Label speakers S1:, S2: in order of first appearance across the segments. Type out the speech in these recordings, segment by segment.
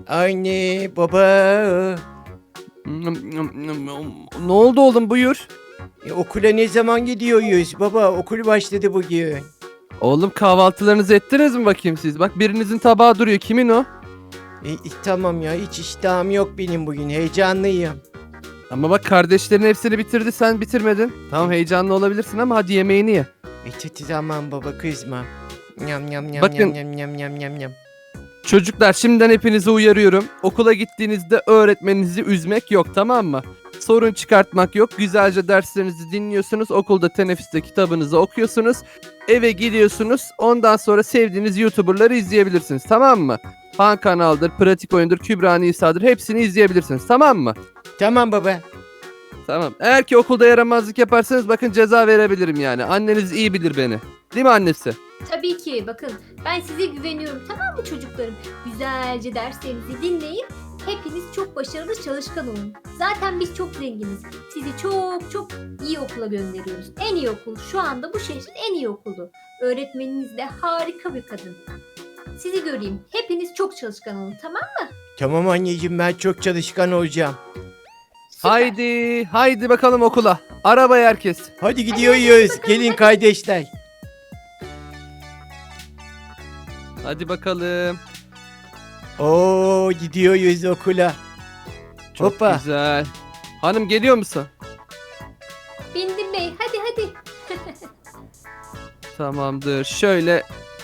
S1: Anne, baba.
S2: Ne oldu oğlum, buyur.
S1: Okula ne zaman gidiyoruz? Baba, okul başladı bugün.
S2: Oğlum, kahvaltılarınızı ettiniz mi bakayım siz? Bak, birinizin tabağı duruyor. Kimin o?
S1: Tamam ya, hiç iştahım yok benim bugün. Heyecanlıyım.
S2: Ama bak, kardeşlerin hepsini bitirdi, sen bitirmedin. Tamam, heyecanlı olabilirsin ama hadi yemeğini ye.
S1: Tamam baba, kızma. Nyam nyam nyam
S2: Bakın,
S1: nyam nyam nyam nyam nyam nyam.
S2: çocuklar, şimdiden hepinizi uyarıyorum. Okula gittiğinizde öğretmeninizi üzmek yok, tamam mı? Sorun çıkartmak yok. Güzelce derslerinizi dinliyorsunuz. Okulda teneffüste kitabınızı okuyorsunuz. Eve gidiyorsunuz. Ondan sonra sevdiğiniz YouTuber'ları izleyebilirsiniz, tamam mı? Han Kanal'dır, Pratik Oyun'dur, Kübra Nisa'dır. Hepsini izleyebilirsiniz, tamam mı?
S1: Tamam baba.
S2: Tamam. Eğer ki okulda yaramazlık yaparsanız bakın, ceza verebilirim yani. Anneniz iyi bilir beni. Değil mi annesi?
S3: Tabii ki bakın ben size güveniyorum, tamam mı çocuklarım? Güzelce derslerinizi dinleyin. Hepiniz çok başarılı, çalışkan olun. Zaten biz çok zenginiz. Sizi çok çok iyi okula gönderiyoruz. En iyi okul, şu anda bu şehrin en iyi okulu. Öğretmeniniz de harika bir kadın. Sizi göreyim. Hepiniz çok çalışkan olun, tamam mı?
S1: Tamam anneciğim, ben çok çalışkan olacağım.
S3: Süper.
S2: Haydi, haydi bakalım okula. Arabaya herkes.
S1: Hadi gidiyoruz. Gelin kardeşler.
S2: Hadi bakalım.
S1: Oo, gidiyoruz okula.
S2: Çok
S1: Hoppa.
S2: güzel. Hanım, geliyor musun?
S3: Bindim bey, hadi hadi.
S2: Tamamdır. Şöyle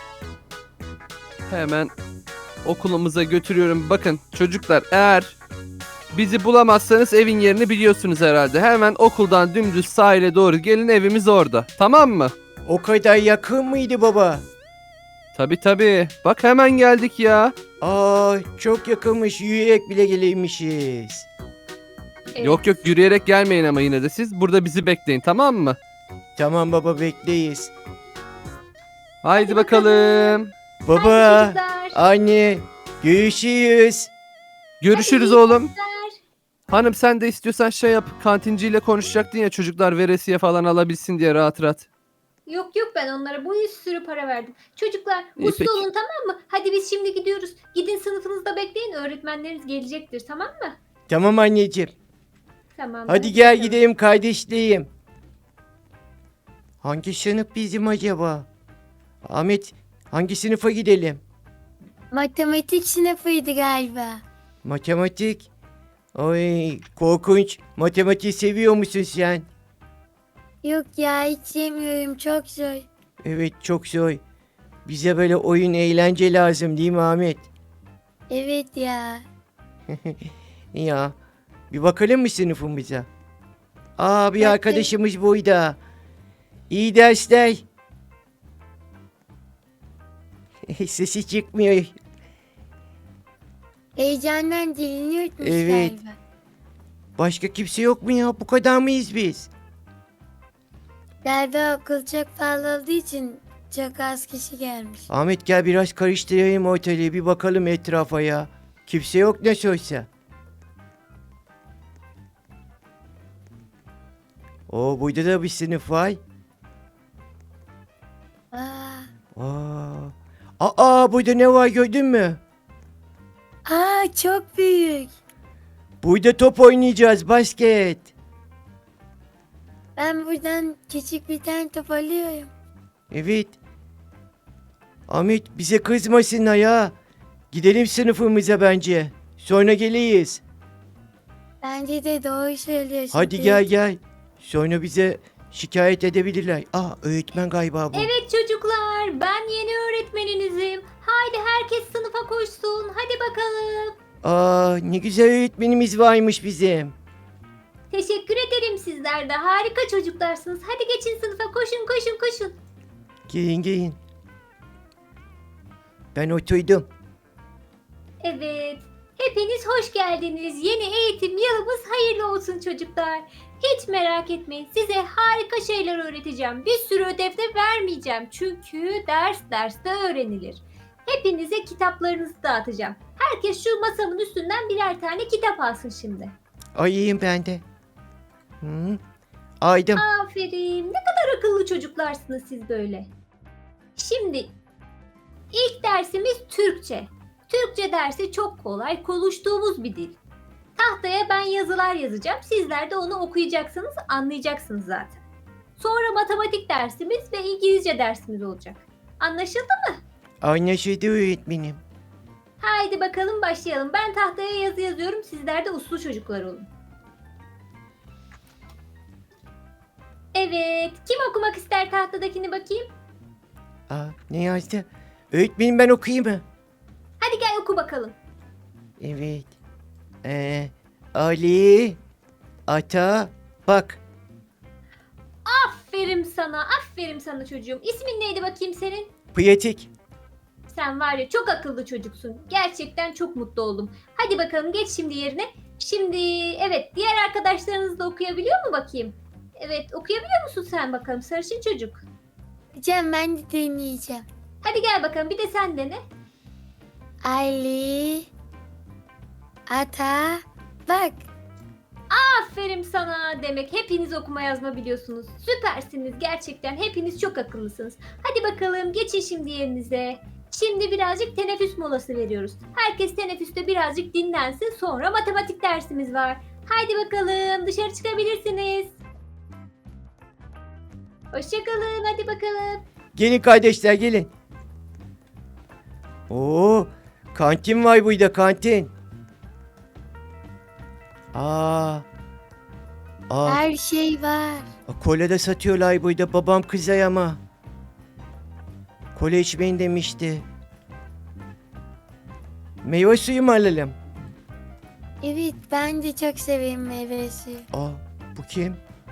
S2: hemen okulumuza götürüyorum. Bakın çocuklar, eğer bizi bulamazsanız evin yerini biliyorsunuz herhalde. Hemen okuldan dümdüz sahile doğru gelin, evimiz orada. Tamam mı?
S1: O kadar yakın mıydı baba?
S2: Tabii tabii. Bak, hemen geldik ya.
S1: Aa, çok yakınmış. Yürüyerek bile geleymişiz.
S3: Evet.
S2: Yok yok, yürüyerek gelmeyin ama yine de siz. Burada bizi bekleyin, tamam mı?
S1: Tamam baba, bekleyiz.
S2: Haydi bakalım.
S1: Baba,
S3: Hadi çocuklar.
S1: anne, görüşürüz.
S2: Görüşürüz
S3: Hadi iyi
S2: oğlum.
S3: dersler.
S2: Hanım, sen de istiyorsan şey yap. Kantinciyle konuşacaktın ya, çocuklar veresiye falan alabilsin diye rahat rahat.
S3: Yok yok, ben onlara bir sürü para verdim. Çocuklar
S2: İyi,
S3: uslu
S2: peki.
S3: olun, tamam mı? Hadi biz şimdi gidiyoruz. Gidin sınıfınızda bekleyin, öğretmenleriniz gelecektir, tamam mı?
S1: Tamam anneciğim.
S3: Tamam.
S1: Hadi gel gidelim kardeşliğim. Hangi sınıf bizim acaba? Ahmet, hangi sınıfa gidelim?
S4: Matematik sınıfıydı galiba.
S1: Matematik. Ay, korkunç. Matematiği seviyor musun sen?
S4: Yok ya, hiç sevmiyorum, çok zor.
S1: Evet, çok zor. Bize böyle oyun, eğlence lazım değil mi Ahmet?
S4: Evet ya.
S1: Ya, bir bakalım mı sınıfımıza? Aa, bir
S4: Bakın.
S1: arkadaşımız burada. İyi dersler. Sesi çıkmıyor.
S4: Heyecandan dilini yutmuş
S1: Evet.
S4: galiba.
S1: Başka kimse yok mu ya? Bu kadar mıyız biz?
S4: Galiba okul çok pahalı olduğu için çok az kişi gelmiş.
S1: Ahmet, gel biraz karıştırayım ortalığı, bir bakalım etrafa ya. Kimse yok nasıl olsa. Oo, burada da bir sınıf var.
S4: Aa,
S1: Burada ne var, gördün mü?
S4: çok büyük.
S1: Burada top oynayacağız, basket.
S4: Ben buradan küçük bir tane top alıyorum.
S1: Evet. Ahmet, bize kızmasınlar ya. Gidelim sınıfımıza bence. Sonra geleyiz.
S4: Bence de doğru söylüyorsun.
S1: Hadi gel gel. Sonra bize şikayet edebilirler. Öğretmen galiba bu.
S3: Evet çocuklar, ben yeni öğretmeninizim. Haydi herkes sınıfa koşsun. Hadi bakalım.
S1: Ne güzel öğretmenimiz varmış bizim.
S3: Teşekkür ederim, sizler de harika çocuklarsınız. Hadi geçin sınıfa, koşun koşun koşun.
S1: Gelin gelin. Ben oturdum.
S3: Evet. Hepiniz hoş geldiniz. Yeni eğitim yılımız hayırlı olsun çocuklar. Hiç merak etmeyin. Size harika şeyler öğreteceğim. Bir sürü ödev de vermeyeceğim. Çünkü ders derste öğrenilir. Hepinize kitaplarınızı dağıtacağım. Herkes şu masamın üstünden birer tane kitap alsın şimdi.
S1: Ayıyım ben de. Hı? Aydım.
S3: Aferin. Ne kadar akıllı çocuklarsınız siz böyle. Şimdi ilk dersimiz Türkçe. Türkçe dersi çok kolay, konuştuğumuz bir dil. Tahtaya ben yazılar yazacağım. Sizler de onu okuyacaksınız, anlayacaksınız zaten. Sonra matematik dersimiz ve İngilizce dersimiz olacak. Anlaşıldı?
S1: Anlaşıldı öğretmenim.
S3: Haydi bakalım başlayalım. Ben tahtaya yazı yazıyorum. Sizler de uslu çocuklar olun. Evet. Kim okumak ister tahtadakini bakayım?
S1: Ne yazdı? Öğretmenim ben okuyayım mı?
S3: Hadi gel oku bakalım.
S1: Evet. Ali ata bak.
S3: Aferin sana. Aferin sana çocuğum. İsmin neydi bakayım senin?
S1: Pratik.
S3: Sen var ya çok akıllı çocuksun. Gerçekten çok mutlu oldum. Hadi bakalım geç şimdi yerine. Şimdi evet diğer arkadaşlarınız da okuyabiliyor mu bakayım? Evet okuyabiliyor musun sen bakalım sarışın çocuk?
S4: Hocam ben de deneyeceğim.
S3: Hadi gel bakalım bir de sen dene.
S4: Ali ata bak.
S3: Aferin sana demek. Hepiniz okuma yazma biliyorsunuz. Süpersiniz gerçekten. Hepiniz çok akıllısınız. Hadi bakalım geçin şimdi yerinize. Şimdi birazcık teneffüs molası veriyoruz. Herkes teneffüste birazcık dinlensin. Sonra matematik dersimiz var. Haydi bakalım dışarı çıkabilirsiniz. Hoşçakalın hadi bakalım.
S1: Gelin kardeşler gelin. Oo, kantin var burada kantin. Aa.
S4: Her şey var.
S1: Kola da satıyorlar burada. Babam kızar ama. Kola içmeyin demişti. Meyve suyu mu alalım?
S4: Evet ben de çok severim meyve suyu.
S1: Bu kim?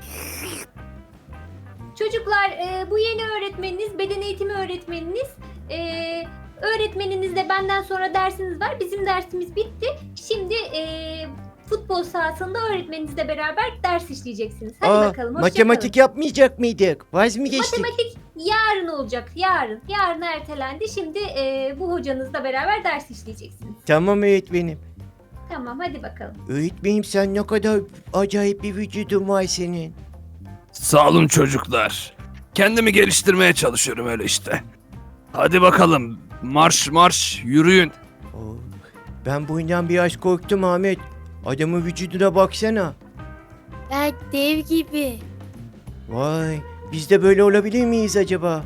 S3: Çocuklar bu yeni öğretmeniniz, beden eğitimi öğretmeniniz. Öğretmeninizle benden sonra dersiniz var. Bizim dersimiz bitti. Şimdi futbol sahasında öğretmeninizle beraber ders işleyeceksiniz. Hadi bakalım.
S1: Matematik yapmayacak mıydık? Vaz mı geçtik?
S3: Matematik yarın olacak. Yarın. Yarın ertelendi. Şimdi bu hocanızla beraber ders işleyeceksiniz.
S1: Tamam öğretmenim.
S3: Tamam hadi bakalım.
S1: Öğretmenim sen ne kadar acayip bir vücudun var senin.
S2: Sağ olun çocuklar. Kendimi geliştirmeye çalışıyorum öyle işte. Hadi bakalım. Marş marş yürüyün.
S1: Ben bundan biraz korktum Ahmet. Adamın vücuduna baksana.
S4: Bak dev gibi.
S1: Vay, biz de böyle olabilir miyiz acaba?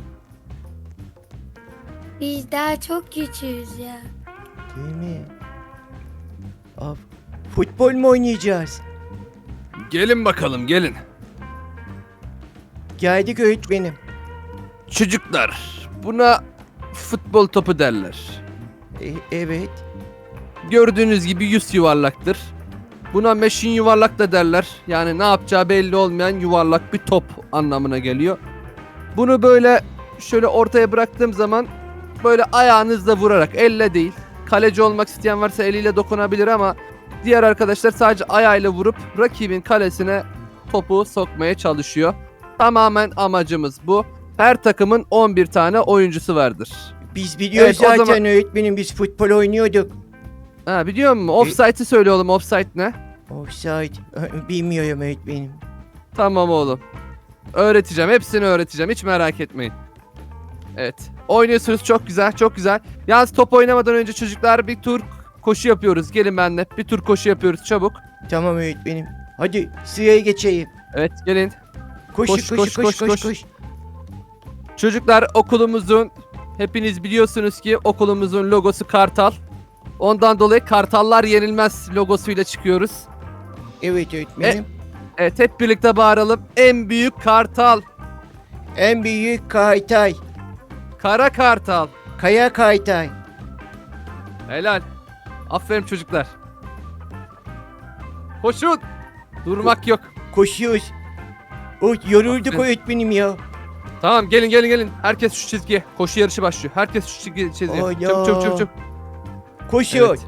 S4: Biz daha çok küçüğüz ya.
S1: Değil mi? Futbol mu oynayacağız?
S2: Gelin bakalım gelin.
S1: Geldik öğretmenim.
S2: Çocuklar buna futbol topu derler.
S1: Evet.
S2: Gördüğünüz gibi yüz yuvarlaktır. Buna meşin yuvarlak da derler. Yani ne yapacağı belli olmayan yuvarlak bir top anlamına geliyor. Bunu böyle şöyle ortaya bıraktığım zaman böyle ayağınızla vurarak, elle değil. Kaleci olmak isteyen varsa eliyle dokunabilir ama diğer arkadaşlar sadece ayağıyla vurup rakibin kalesine topu sokmaya çalışıyor. Tamamen amacımız bu. Her takımın 11 tane oyuncusu vardır.
S1: Biz biliyoruz
S2: Evet, o
S1: zaten
S2: zaman-
S1: öğretmenim, biz futbol oynuyorduk.
S2: Ha biliyor musun? Offside'i söyle oğlum. Offside ne?
S1: Offside. Bilmiyorum öğretmenim.
S2: Tamam oğlum. Öğreteceğim. Hepsini öğreteceğim. Hiç merak etmeyin. Evet. Oynuyorsunuz. Çok güzel. Çok güzel. Yalnız top oynamadan önce çocuklar bir tur koşu yapıyoruz. Gelin benimle. Bir tur koşu yapıyoruz. Çabuk.
S1: Tamam öğretmenim. Hadi sıraya geçeyim.
S2: Evet gelin.
S1: Koş.
S2: Çocuklar okulumuzun hepiniz biliyorsunuz ki okulumuzun logosu kartal. Ondan dolayı kartallar yenilmez logosuyla çıkıyoruz.
S1: Evet öğretmenim.
S2: Evet hep birlikte bağıralım. En büyük kartal.
S1: En büyük kaytay.
S2: Kara kartal.
S1: Kaya kaytay.
S2: Helal. Aferin çocuklar. Koşun. Durmak yok.
S1: Koşuyoruz. Yorulduk
S2: Aferin.
S1: öğretmenim ya.
S2: Tamam gelin. Herkes şu çizgiye. Koşu yarışı başlıyor. Herkes şu çizgiye.
S1: Ana.
S2: Çabuk.
S1: Koşuyor.
S2: Evet.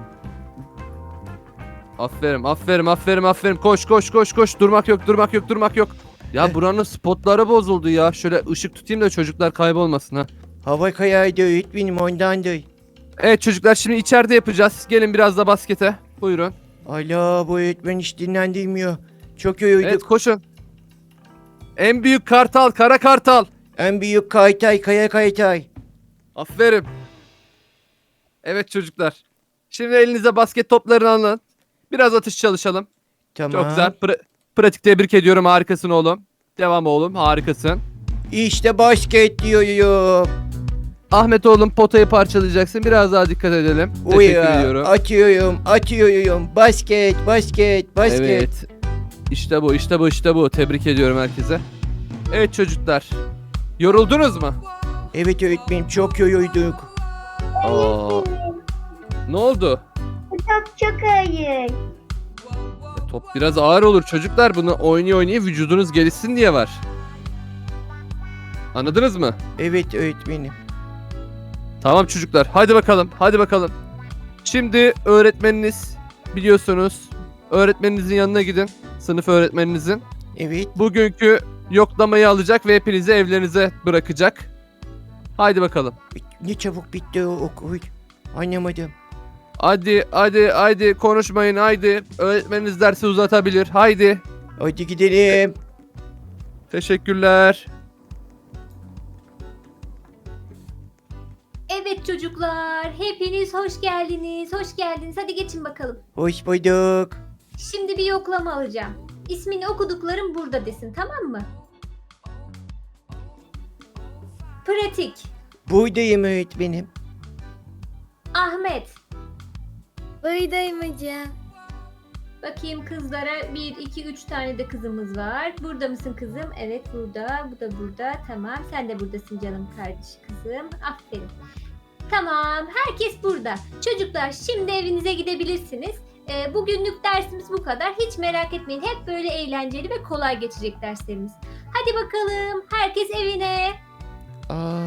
S2: Aferin. Koş. Durmak yok. Ya buranın spotları bozuldu ya. Şöyle ışık tutayım da çocuklar kaybolmasın ha.
S1: Hava kayaydı öğretmenim, ondandır.
S2: Evet çocuklar şimdi içeride yapacağız. Gelin biraz da baskete. Buyurun.
S1: Allah, bu öğretmen hiç dinlendirmiyor. Çok yorulduk.
S2: Evet koşun. En büyük kartal, kara kartal.
S1: En büyük kaytay, kaya kaytay.
S2: Aferin. Evet çocuklar. Şimdi elinize basket toplarını alın. Biraz atış çalışalım.
S1: Tamam.
S2: Çok güzel. Pratik tebrik ediyorum. Harikasın oğlum. Devam oğlum. Harikasın.
S1: İşte basket diyorum.
S2: Ahmet oğlum potayı parçalayacaksın. Biraz daha dikkat edelim. Teşekkür ediyorum.
S1: Atıyorum. Basket.
S2: Evet. İşte bu. Tebrik ediyorum herkese. Evet çocuklar. Yoruldunuz mu?
S1: Evet öğretmenim, çok yorulduk.
S2: Aa, ne oldu?
S5: Çok iyi.
S2: Top biraz ağır olur çocuklar. Bunu oynaya vücudunuz gelişsin diye var. Anladınız mı?
S1: Evet öğretmenim.
S2: Tamam çocuklar. Hadi bakalım. Şimdi öğretmeniniz biliyorsunuz. Öğretmeninizin yanına gidin. Sınıf öğretmeninizin.
S1: Evet.
S2: Bugünkü yoklamayı alacak ve hepinizi evlerinize bırakacak. Haydi bakalım.
S1: Ne çabuk bitti o okul. Anlamadım.
S2: Haydi konuşmayın haydi. Öğretmeniniz dersi uzatabilir. Haydi.
S1: Hadi gidelim.
S2: Teşekkürler.
S3: Evet çocuklar, hepiniz hoş geldiniz. Hadi geçin bakalım.
S1: Hoş bulduk.
S3: Şimdi bir yoklama alacağım. İsmini okuduklarım burada desin, tamam mı? Pratik,
S1: Buradayım öğretmenim.
S3: Ahmet.
S4: Buradayım hocam.
S3: Bakayım kızlara 1, 2, 3 tane de kızımız var. Burada mısın kızım? Evet burada. Bu da burada. Tamam. Sen de buradasın canım kardeş kızım. Aferin. Tamam. Herkes burada. Çocuklar şimdi evinize gidebilirsiniz. Bugünlük dersimiz bu kadar. Hiç merak etmeyin. Hep böyle eğlenceli ve kolay geçecek derslerimiz. Hadi bakalım. Herkes evine.
S1: Aa.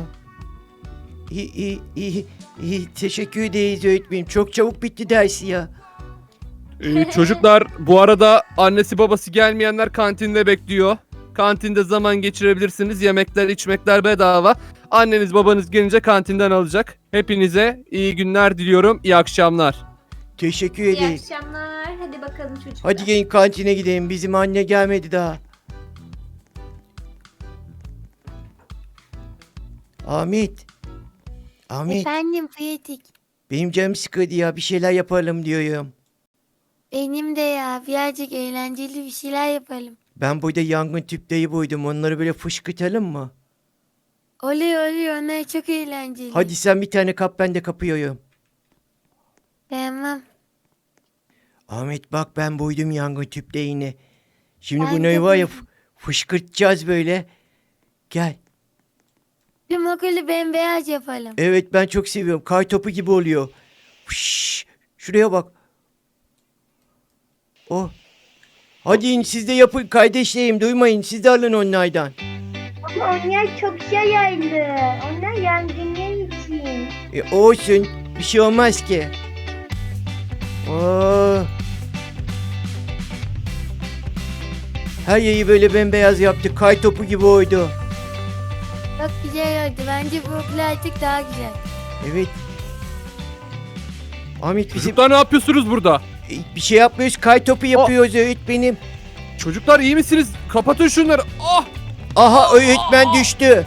S1: İyi. Teşekkür ederiz öğretmenim. Çok çabuk bitti dersi ya.
S2: Çocuklar bu arada annesi babası gelmeyenler kantinde bekliyor. Kantinde zaman geçirebilirsiniz. Yemekler, içmekler bedava. Anneniz babanız gelince kantinden alacak. Hepinize iyi günler diliyorum. İyi akşamlar.
S1: Teşekkür
S3: İyi
S1: ederiz.
S3: akşamlar. Hadi bakalım çocuklar.
S1: Hadi gelin kantine gidelim. Bizim anne gelmedi daha. Ahmet.
S4: Efendim pratik.
S1: Benim canım sıkıldı ya. Bir şeyler yapalım diyorum.
S4: Benim de ya birazcık eğlenceli bir şeyler yapalım.
S1: Ben burada yangın tüpleri buydum. Onları böyle fışkırtalım mı?
S4: Oluyor onlar çok eğlenceli.
S1: Hadi sen bir tane kap, ben de kapıyorum.
S4: Tamam.
S1: Ahmet bak, ben buydum yangın tüplerini. Şimdi
S4: Ben de
S1: bunları var ya
S4: buydum.
S1: fışkırtacağız böyle. Gel.
S4: Tüm okulu bembeyaz yapalım.
S1: Evet, ben çok seviyorum. Kar topu gibi oluyor. Şuraya bak. Oh. Hadi in, siz de yapın kardeşlerim, duymayın. Siz de alın onlardan.
S5: Ama onlar çok yayıldı. Onlar yangınlar için.
S1: Olsun. Bir şey olmaz ki. Oh. Her yeri böyle bembeyaz yaptık. Kar topu gibi oldu.
S4: Çok güzel oldu. Bence bu okul artık daha güzel.
S1: Evet. Ahmet bizim
S2: Çocuklar ne yapıyorsunuz burada?
S1: bir şey yapmıyoruz. Kar topu yapıyoruz öğretmenim.
S2: Çocuklar iyi misiniz? Kapatın şunları. Ah!
S1: Aha, öğretmen düştü.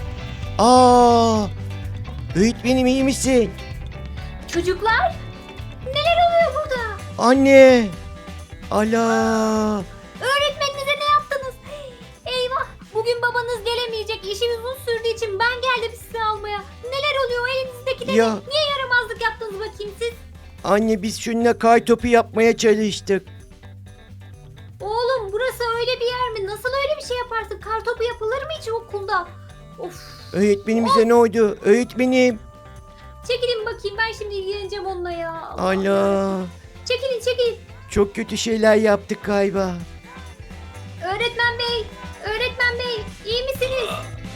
S1: Öğretmenim iyi misin?
S3: Çocuklar, neler oluyor burada?
S1: Anne. Ala.
S3: Öğretmeninize ne yaptınız? Eyvah, bugün babanız gelemeyecek. İşimiz uzun sürdüğü için ben geldim sizi almaya. Neler oluyor elinizdeki de?
S1: Ya
S3: Niye yaramazlık yaptınız bakayım siz?
S1: anne, biz şununla kar topu yapmaya çalıştık.
S3: Oğlum burası öyle bir yer mi? Nasıl öyle bir şey yaparsın? Kartopu yapılır mı hiç okulda? Of.
S1: Öğretmenimize ne oldu? Öğretmenim.
S3: Çekilin bakayım, ben şimdi ilgileneceğim onunla ya.
S1: Ala.
S3: Çekilin.
S1: Çok kötü şeyler yaptık galiba.
S3: Öğretmen bey, iyi misiniz?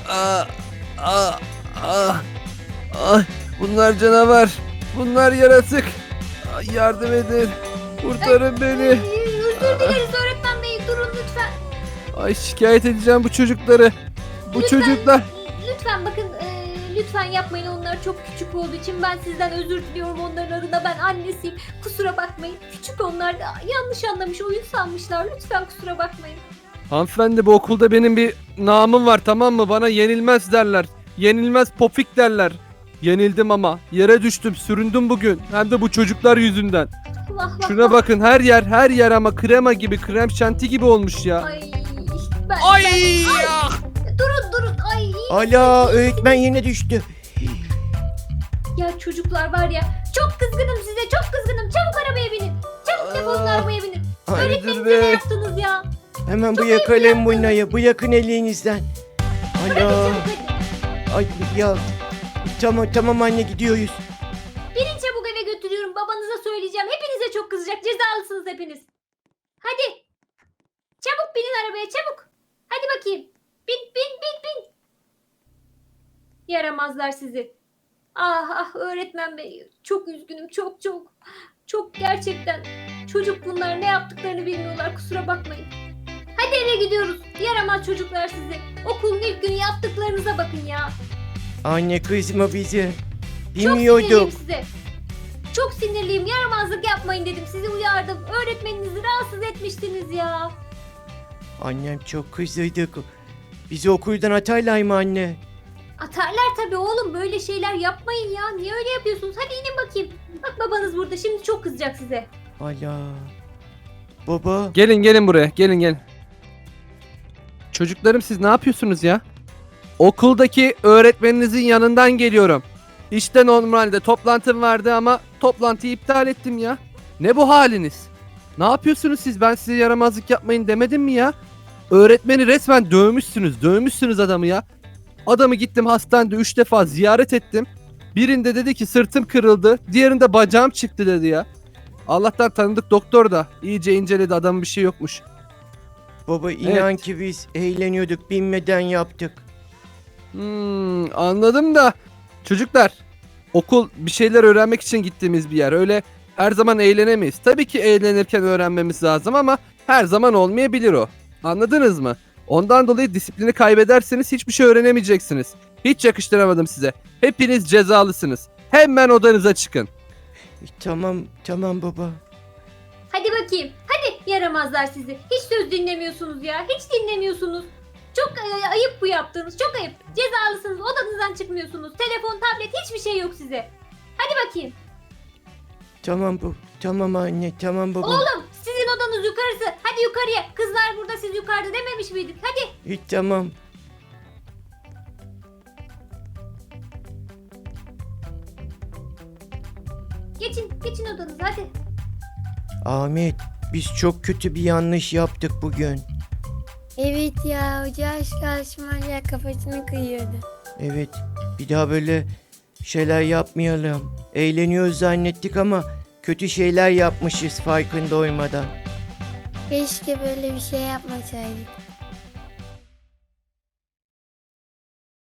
S2: Bunlar canavar. Bunlar yaratık. Yardım edin. Kurtarın beni.
S3: Özür dileriz öğretmen bey, durun lütfen.
S2: Ay şikayet edeceğim bu çocukları. Bu çocuklar.
S3: Lütfen bakın, lütfen yapmayın, onlar çok küçük olduğu için ben sizden özür diliyorum onların adına. Ben annesiyim, kusura bakmayın. Küçük onlar da yanlış anlamış, oyun sanmışlar, lütfen kusura bakmayın.
S2: Hanımefendi bu okulda benim bir namım var tamam mı? Bana yenilmez derler. Yenilmez popik derler. Yenildim ama. Yere düştüm, süründüm bugün. Hem de bu çocuklar yüzünden.
S3: Vah vah
S2: Şuna
S3: vah.
S2: bakın, her yer ama krema gibi, krem şanti gibi olmuş ya.
S3: Ay. Ben,
S2: Ay!
S3: Durun. Ay.
S1: Ala öğretmen yine düştü.
S3: Ya çocuklar var ya. Çok kızgınım size. Çok kızgınım. Çabuk arabaya binin. Çabuk defolun
S1: Aa.
S3: arabaya binin.
S2: Hayırdır
S3: Öğretmeninize ne
S2: be?
S3: yaptınız ya?
S1: Hemen
S3: Çok
S1: bırakalım bunları. Bırakın elinizden.
S3: Hadi
S1: Ala.
S3: çabuk hadi.
S1: Ay ya. Tamam anne gidiyoruz.
S3: Binin çabuk eve götürüyorum. Babanıza söyleyeceğim. Hepinize çok kızacak. Cezalısınız hepiniz. Hadi. Çabuk binin arabaya çabuk. Hadi bakayım. Bin. Yaramazlar sizi. Ah öğretmen bey. Çok üzgünüm. Çok gerçekten. Çocuk bunlar ne yaptıklarını bilmiyorlar. Kusura bakmayın. Hadi eve gidiyoruz. Yaramaz çocuklar sizi. Okulun ilk günü yaptıklarınıza bakın ya.
S1: Anne kızma bizi.
S3: Çok sinirliyim
S1: Bilmiyorduk.
S3: size. Çok sinirliyim. Yaramazlık yapmayın dedim. Sizi uyardım. Öğretmeninizi rahatsız etmiştiniz ya.
S1: Annem çok kızdıydık. Bizi okuldan atarlar mı anne?
S3: Atarlar tabii oğlum. Böyle şeyler yapmayın ya. Niye öyle yapıyorsunuz? Hadi inin bakayım. Bak babanız burada. Şimdi çok kızacak size.
S1: Ala. Baba.
S2: Gelin buraya, gelin. Çocuklarım siz ne yapıyorsunuz ya? Okuldaki öğretmeninizin yanından geliyorum. İşte normalde toplantım vardı ama toplantıyı iptal ettim ya. Ne bu haliniz? Ne yapıyorsunuz siz? Ben size yaramazlık yapmayın demedim mi ya? Öğretmeni resmen dövmüşsünüz adamı ya. Adamı gittim hastanede 3 defa ziyaret ettim. Birinde dedi ki sırtım kırıldı, diğerinde bacağım çıktı dedi ya. Allah'tan tanıdık doktor da iyice inceledi, adamın bir şey yokmuş.
S1: Baba inan
S2: Evet.
S1: ki biz eğleniyorduk bilmeden yaptık.
S2: Anladım da çocuklar, okul bir şeyler öğrenmek için gittiğimiz bir yer. Öyle her zaman eğlenemeyiz. Tabii ki eğlenirken öğrenmemiz lazım ama her zaman olmayabilir o. Anladınız mı? Ondan dolayı disiplini kaybederseniz hiçbir şey öğrenemeyeceksiniz. Hiç yakıştıramadım size. Hepiniz cezalısınız. Hemen odanıza çıkın.
S1: Tamam baba.
S3: Hadi bakayım. Hadi yaramazlar sizi. Hiç söz dinlemiyorsunuz ya. Hiç dinlemiyorsunuz. Çok ayıp bu yaptığınız. Çok ayıp. Cezalısınız. Odanızdan çıkmıyorsunuz. Telefon, tablet hiçbir şey yok size. Hadi bakayım.
S1: Tamam anne tamam baba.
S3: Oğlum sizin odanız yukarısı. Hadi yukarıya. Kızlar burada, siz yukarıda dememiş miydik? Hadi.
S1: Tamam.
S3: Geçin odanıza hadi.
S1: Ahmet biz çok kötü bir yanlış yaptık bugün.
S4: Evet ya, hoca aşk karşıma kafasını kıyıyordu.
S1: Evet bir daha böyle şeyler yapmayalım. Eğleniyoruz zannettik ama kötü şeyler yapmışız farkında olmadan.
S4: Keşke böyle bir şey yapmasaydık.